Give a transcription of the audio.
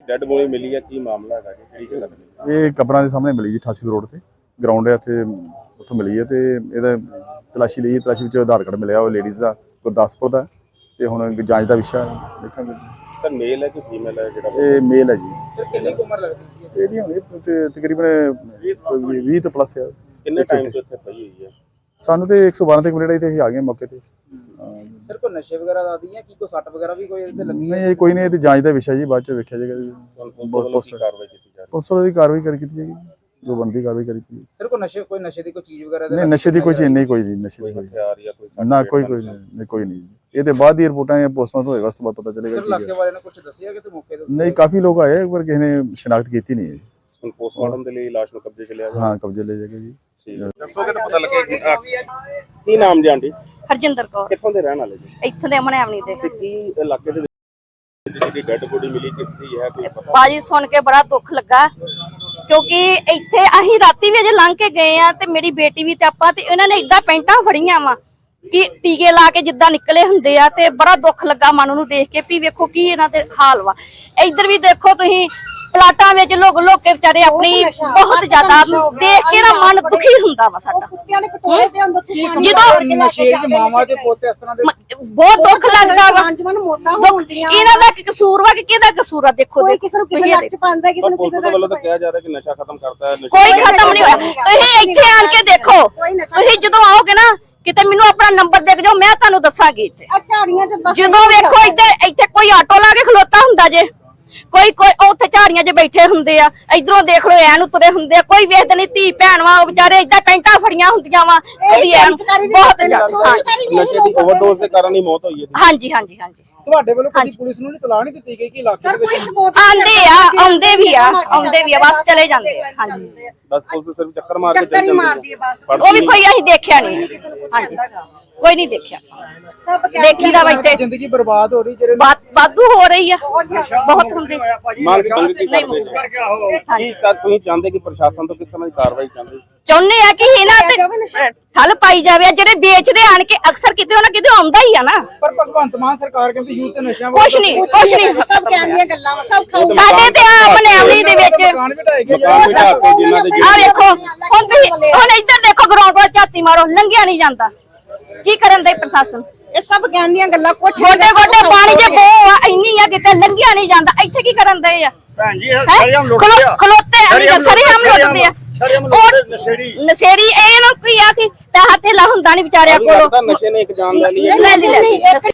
Dead body ਮਿਲੀ ਹੈ, ਕੀ ਮਾਮਲਾ ਹੈਗਾ ਜੀ, ਕਿਹੜੀ ਜਗ੍ਹਾ ਤੇ? ਇਹ ਕਬਰਾਂ ਦੇ ਸਾਹਮਣੇ ਮਿਲੀ ਜੀ 88 ਰੋਡ ਤੇ ਗਰਾਊਂਡ ਹੈ ਇੱਥੇ, ਉੱਥੋਂ ਮਿਲੀ ਹੈ ਤੇ ਇਹਦਾ ਤਲਾਸ਼ੀ ਲਈ, ਤਲਾਸ਼ੀ ਵਿੱਚ ਆਧਾਰ ਕਾਰਡ ਮਿਲਿਆ ਉਹ ਲੇਡੀਜ਼ ਦਾ ਗੁਰਦਾਸਪੁਰ ਦਾ, ਤੇ ਹੁਣ ਜਾਂਚ ਦਾ ਵਿਸ਼ਾ ਦੇਖਾਂਗੇ। ਸਰ ਮੇਲ ਹੈ ਕਿ ਫੀਮੇਲ ਹੈ ਜਿਹੜਾ? ਇਹ ਮੇਲ ਹੈ ਜੀ। ਸਰ ਕਿੰਨੀ ਉਮਰ ਲੱਗਦੀ ਸੀ ਇਹਦੀ ਹੁਣ ਤਕਰੀਬਨ 20 ਤੋਂ ਪਲੱਸ ਹੈ। ਕਿੰਨੇ ਟਾਈਮ ਤੋਂ ਇੱਥੇ ਪਈ ਹੋਈ ਹੈ? ਸਾਨੂੰ ਤੇ 112 ਤੇ ਕੰਪਲੇਂਟ ਆਈ ਤੇ ਅਸੀਂ ਆ ਗਏ ਮੌਕੇ ਤੇ। ਸਰ ਕੋਈ ਨਸ਼ੇ ਵਗੈਰਾ ਦਾ ਆਦੀ ਹੈ ਕੀ ਕੋਈ ਸੱਟ ਵਗੈਰਾ ਵੀ ਕੋਈ ਇਹਦੇ ਲੱਗੀ? ਨਹੀਂ ਕੋਈ ਨਹੀਂ, ਇਹ ਤੇ ਜਾਂਚ ਦਾ ਵਿਸ਼ਾ ਜੀ, ਬਾਅਦ ਚ ਵੇਖਿਆ ਜਾਏਗਾ ਜੀ। ਪੁਲਿਸ ਵੱਲੋਂ ਕਾਰਵਾਈ ਕੀਤੀ ਜਾ ਰਹੀ ਹੈ? ਪੁਲਿਸ ਵੱਲੋਂ ਦੀ ਕਾਰਵਾਈ ਕੀਤੀ ਜਾਏਗੀ, ਜੋ ਬਣਦੀ ਕਾਰਵਾਈ ਕੀਤੀ। ਸਰ ਕੋਈ ਨਸ਼ੇ ਦੀ ਕੋਈ ਚੀਜ਼ ਵਗੈਰਾ ਨਹੀਂ ਨਸ਼ੇ ਦੀ ਕੋਈ ਚੀਜ਼ ਨਹੀਂ, ਕੋਈ ਨਹੀਂ ਨਸ਼ੇ ਦੀ ਕੋਈ ਹਥਿਆਰ ਜਾਂ ਕੋਈ ਨਾ, ਕੋਈ ਨਹੀਂ। ਇਹ ਤੇ ਬਾਅਦ ਦੀ ਰਿਪੋਰਟਾਂ ਪੋਸਟਮਾਰਟਮ ਹੋਏਗਾ, ਉਸ ਤੋਂ ਬਾਅਦ ਪਤਾ ਚੱਲੇਗਾ। ਸਰ ਇਲਾਕੇ ਵਾਲਿਆਂ ਨੇ ਕੁਝ ਦੱਸਿਆ ਕਿ ਤੇ ਮੌਕੇ ਤੇ? ਨਹੀਂ ਕਾਫੀ ਲੋਕ ਆਏ ਪਰ ਕਿਸੇ ਨੇ ਸ਼ਨਾਖਤ ਕੀਤੀ ਨਹੀਂ ਹੈ। ਹੁਣ ਪੋਸਟਮਾਰਟਮ ਦੇ ਲਈ ਲਾਸ਼ ਨੂੰ ਕਬਜ਼ੇ 'ਚ ਲਿਆ ਜਾ? ਹਾਂ ਕਬਜ਼ੇ ਲੈ ਜਾਏਗਾ ਜੀ। ਦੱਸੋਗੇ ਤਾਂ ਪਤਾ ਲੱਗੇਗਾ। ਕੀ ਨਾਮ ਜੀ ਆਂਟੀ? ਹਰਜਿੰਦਰ ਕੌਰ। ਕਿੱਥੋਂ ਦੇ ਰਹਿਣ ਵਾਲੇ ਜੀ? ਇੱਥੋਂ ਦੇ ਮਨੈਵਣੀ ਦੇ। ਤੇ ਕੀ ਇਲਾਕੇ ਦੇ ਵਿੱਚ ਜਿਹੜੀ ਡੈਡ ਬੋਡੀ ਮਿਲੀ ਕਿਸ ਦੀ ਹੈ, ਕੋਈ ਪਤਾ? ਬਾਜੀ ਸੁਣ ਕੇ ਬੜਾ ਦੁੱਖ ਲੱਗਾ, ਕਿਉਂਕਿ ਇੱਥੇ ਅਸੀਂ ਰਾਤੀ ਵੀ ਅਜੇ ਲੰਘ ਕੇ ਗਏ ਆ ਤੇ ਮੇਰੀ ਬੇਟੀ ਵੀ ਤੇ ਆਪਾਂ ਤੇ ਇਹਨਾਂ ਨੇ ਏਦਾਂ ਪੈਂਟਾਂ ਫੜੀਆਂ ਵਾ ਕਿ ਟੀਕੇ ਲਾ ਕੇ ਜਿੱਦਾਂ ਨਿਕਲੇ ਹੁੰਦੇ ਆ, ਤੇ ਬੜਾ ਦੁੱਖ ਲੱਗਾ ਮਨ ਨੂੰ ਦੇਖ ਕੇ ਵੀ ਵੇਖੋ ਕੀ ਇਹਨਾਂ ਦੇ ਹਾਲ ਵਾ। ਇੱਧਰ ਵੀ ਦੇਖੋ ਤੁਸੀਂ ਪਲਾਟਾਂ ਵਿੱਚ ਲੋਕ ਕੇ ਵਿਚਾਰੇ ਆਪਣੀ ਬਹੁਤ ਜ਼ਿਆਦਾ ਦੇਖ ਕੇ ਨਾ ਮਨ ਦੁਖੀ ਹੁੰਦਾ ਵਾ ਸਾਡਾ। ਜਦੋਂ ਮਾਮਾ ਦੇ ਪੋਤੇ ਇਸ ਤਰ੍ਹਾਂ ਦੇ ਬਹੁਤ ਦੁੱਖ ਲੱਗਦਾ ਵਾ। ਇਹਨਾਂ ਦਾ ਕੀ ਕਸੂਰ ਵਾ ਕਿ ਕਿਹਦਾ ਕਸੂਰ ਆ? ਦੇਖੋ ਪੁਲਿਸ ਵੱਲੋਂ ਤਾਂ ਕਿਹਾ ਜਾ ਰਿਹਾ ਕਿ ਨਸ਼ਾ ਖਤਮ ਕਰਤਾ ਹੈ। ਕੋਈ ਖਤਮ ਨਹੀਂ ਹੋਇਆ। ਤੁਸੀਂ ਇੱਥੇ ਆਣ ਕੇ ਦੇਖੋ, ਤੁਸੀਂ ਜਦੋਂ ਆਓਗੇ ਨਾ ਕਿਤੇ ਮੈਨੂੰ ਆਪਣਾ ਨੰਬਰ ਦੇ ਜਾਓ, ਮੈਂ ਤੁਹਾਨੂੰ ਦੱਸਾਂਗੀ। ਇੱਥੇ ਜਦੋਂ ਵੇਖੋ ਇੱਥੇ ਕੋਈ ਆਟੋ ਲਾ ਕੇ ਖਲੋਤਾ ਹੁੰਦਾ ਜੇ, ਕੋਈ ਉੱਥੇ ਝਾੜੀਆਂ 'ਚ ਬੈਠੇ ਹੁੰਦੇ ਆ, ਇਧਰੋਂ ਦੇਖ ਲਓ ਐਨ ਉਤਰੇ ਹੁੰਦੇ ਆ, ਕੋਈ ਵੇਖਦੇ ਨਹੀਂ। ਧੀ ਭੈਣ ਵਾ ਉਹ ਵਿਚਾਰੇ ਏਦਾਂ ਪੈਂਟਾਂ ਫੜੀਆਂ ਹੁੰਦੀਆਂ ਵਾ, ਬਹੁਤ ਜ਼ਿਆਦਾ। ਨਸ਼ੇ ਦੀ ਓਵਰਡੋਜ਼ ਦੇ ਕਾਰਨ ਹੀ ਮੌਤ ਹੋਈ ਹੈ। ਹਾਂਜੀ ਹਾਂਜੀ ਹਾਂਜੀ। ਤੁਹਾਡੇ ਵੱਲੋਂ ਕਦੀ ਪੁਲਿਸ ਨੂੰ ਇਤਲਾਹ ਨਹੀਂ ਦਿੱਤੀ ਗਈ ਕਿ ਇਲਾਕੇ ਦੇ ਵਿੱਚ ਆਉਂਦੇ ਵੀ ਆ ਬਸ ਚਲੇ ਜਾਂਦੇ ਆ। ਹਾਂਜੀ ਬਸ ਪੁਲਿਸ ਸਿਰਫ ਚੱਕਰ ਮਾਰ ਕੇ ਚਲੀ ਜਾਂਦੀ ਹੈ। ਉਹ ਵੀ ਕੋਈ ਅਸੀਂ ਦੇਖਿਆ ਨਹੀਂ। ਹਾਂਜੀ ਕੋਈ ਨਹੀਂ ਦੇਖਿਆ, ਦੇਖੀ ਦਾ ਇੱਥੇ ਜ਼ਿੰਦਗੀ ਬਰਬਾਦ ਹੋ ਰਹੀ, ਜਿਹੜੇ ਵਾਧੂ ਹੋ ਰਹੀ ਆ, ਬਹੁਤ ਹੁੰਦੀ। ਮੰਗ ਕੀ ਕਰਦੇ? ਕੀ ਤੁਸੀਂ ਚਾਹੁੰਦੇ ਕਿ ਪ੍ਰਸ਼ਾਸਨ ਤੋਂ ਕਿਸ ਤਰ੍ਹਾਂ ਦੀ ਕਾਰਵਾਈ ਚਾਹੁੰਦੇ ਆ ਕਿ ਇਹਨਾਂ ਤੇ ਠੱਲ ਪਾਈ ਜਾਵੇ। ਜਿਹੜੇ ਵੇਚਦੇ ਆਣ ਕੇ ਅਕਸਰ ਕਿਤੇ ਨਾ ਕਿਤੇ ਆਉਂਦਾ ਹੀ ਆ ਨਾ। ਪਰ ਭਗਵੰਤ ਮਾਨ ਸਰਕਾਰ ਕਹਿੰਦੀ ਯੂਥ ਤੇ ਨਸ਼ਿਆਂ ਕੁਛ ਨਹੀਂ ਸਭ ਕਹਿੰਦੀਆਂ ਗੱਲਾਂ ਸਭ ਖਾਓ। ਸਾਡੇ ਤੇ ਆ ਮਨੈਵਣੀ ਦੇ ਵਿੱਚ ਦੁਕਾਨ ਢਾਏ ਗਏ ਆ ਵੇਖੋ, ਹੁਣ ਇੱਧਰ ਦੇਖੋ ਗਰਾਊਂਡ ਵੱਲ ਝਾਤੀ ਮਾਰੋ, ਲੰਘਿਆ ਨਹੀਂ ਜਾਂਦਾ। ਕੀ ਕਰਨ ਦੇ ਪ੍ਰਸ਼ਾਸਨ? ਇਹ ਸਭ ਕਹਿੰਦੀਆਂ ਗੱਲਾਂ ਕੁਛ ਗੋਡੇ ਗੋਡੇ ਪਾਣੀ ਜੇ ਬੋ ਆ ਇੰਨੀ ਆ ਕਿਤੇ ਲੰਘਿਆ ਨਹੀਂ ਜਾਂਦਾ। ਇੱਥੇ ਕੀ ਕਰਨ ਦੇ ਆ ਭੈਣ ਜੀ? ਸਰੀਆਮ ਲੁੱਟਦੇ ਆ, ਖਲੋਤੇ ਸਰੀਆਮ ਲੁੱਟਦੇ ਆ। ਨਸ਼ੇੜੀ ਇਹਨਾਂ ਨੂੰ ਕੀ ਆ ਕਿ ਪੈਸਾ ਧੇਲਾ ਹੁੰਦਾ ਨਹੀਂ ਵਿਚਾਰਿਆਂ ਕੋਲ। ਨਸ਼ੇ ਨੇ ਇੱਕ ਜਾਨ ਲੈ ਲਈ।